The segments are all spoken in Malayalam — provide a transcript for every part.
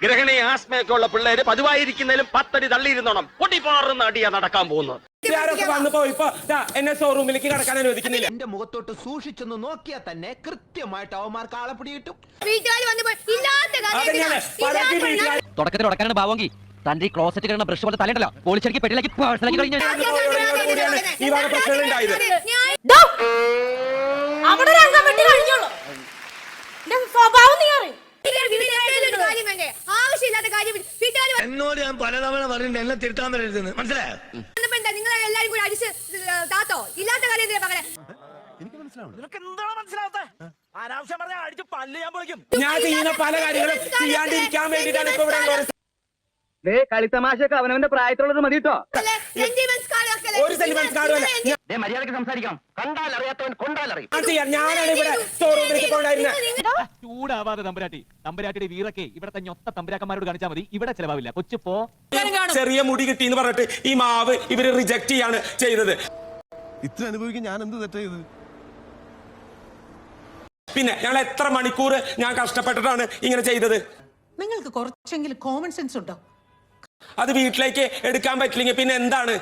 ഗ്രഹണി ആസ്മയൊക്കെ ഉള്ള പിള്ളേര് പതിവായിരിക്കുന്നതിലും 10 അടി തള്ളിയിരുന്നോണം പൊട്ടിപ്പാറുന്ന അടിയാ നടക്കാൻ പോകുന്നത്. എന്നെ ഷോറൂമിലേക്ക് കടക്കാൻ അനുവദിക്കുന്നില്ല. എന്റെ മുഖത്തോട്ട് സൂക്ഷിച്ചൊന്ന് നോക്കിയാൽ തന്നെ കൃത്യമായിട്ട് അവന്മാർക്ക് ആളെ പിടികിട്ടും. തുടക്കത്തിൽ ഉടക്കാനാണ് ഭാവമെങ്കിൽ തന്റെ ഈ ക്ലോസറ്റ് കിടന്ന ബ്രഷ് പോലെ തലയുണ്ടല്ലോ പോളിച്ചടിക്ക് പെട്ടിലേക്ക് പേഴ്സണാക്കി കഴിഞ്ഞു. ഈ വക പ്രശ്നങ്ങൾ ഉണ്ടായത് എന്നോട് ഞാൻ പലതവണ പറഞ്ഞിട്ട് എന്നെ തിരുത്താൻ വരരുതെന്ന് മനസ്സിലായോ? നിങ്ങൾ എല്ലാരും കൂടി അടിച്ച് താത്തോ ഇല്ലാത്ത കാര്യം ഞാൻ ചെയ്യുന്ന പല കാര്യങ്ങളും ചെയ്യാണ്ടിരിക്കാൻ വേണ്ടിയിട്ടാണ് ഇപ്പൊ ഇവിടെ കളിത്തമാശയൊക്കെ അവനവന്റെ പ്രായത്തിലുള്ളത് മതി കേട്ടോ. ഒരു സെന്റിമെന്റ്സ് കാർഡുമല്ല. മര്യാദക്ക് സംസാരിക്കാം. കണ്ടാൽ അറിയാത്തവൻ കൊണ്ടാലറിയും. ഞാനാണ് ഇവിടെ ഷോറൂമിലേക്ക് പോകായിരുന്നത്. ചൂടാവാതെ തമ്പുരാട്ടിയുടെ വീറൊക്കെ ഇവിടത്തെ ഞൊത്ത തമ്പുരാക്കന്മാരോട് കാണിച്ചാൽ മതി. ഇവിടെ ചെലവാവില്ല. കൊച്ചു പോ. ചെറിയ മുടി കിട്ടി എന്ന് പറഞ്ഞിട്ട് ഈ മാവ് ഇവര് റിജക്ട് ചെയ്യാണ് ചെയ്തത്. ഇത്ര അനുഭവിക്കാൻ ഞാൻ എന്ത് തെറ്റാ ചെയ്തത്? പിന്നെ ഞങ്ങൾ എത്ര മണിക്കൂർ ഞാൻ കഷ്ടപ്പെട്ടിട്ടാണ് ഇങ്ങനെ ചെയ്തത്. നിങ്ങൾക്ക് കുറച്ചെങ്കിലും കോമൺ സെൻസ് ഉണ്ടോ? അത് വീട്ടിലേക്ക് എടുക്കാൻ പറ്റില്ലെങ്കിൽ പിന്നെ എന്താണ്?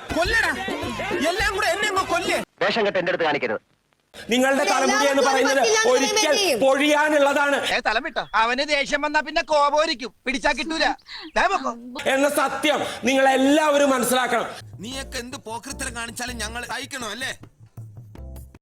വേഷം കെട്ട് എന്റെ അടുത്ത് കാണിക്കരുത്. നിങ്ങളുടെ തലമുടി എന്ന് പറയുന്നത് ഒരിക്കൽ പൊഴിയാനുള്ളതാണ് അവന് ദേഷ്യം വന്നാ പിന്നെ കോപോരിക്കും, പിടിച്ചാ കിട്ടൂല എന്ന സത്യം നിങ്ങൾ എല്ലാവരും മനസ്സിലാക്കണം. നീയൊക്കെ എന്ത് പോക്കൃത്തരം കാണിച്ചാലും ഞങ്ങൾ സഹിക്കണോ അല്ലേ?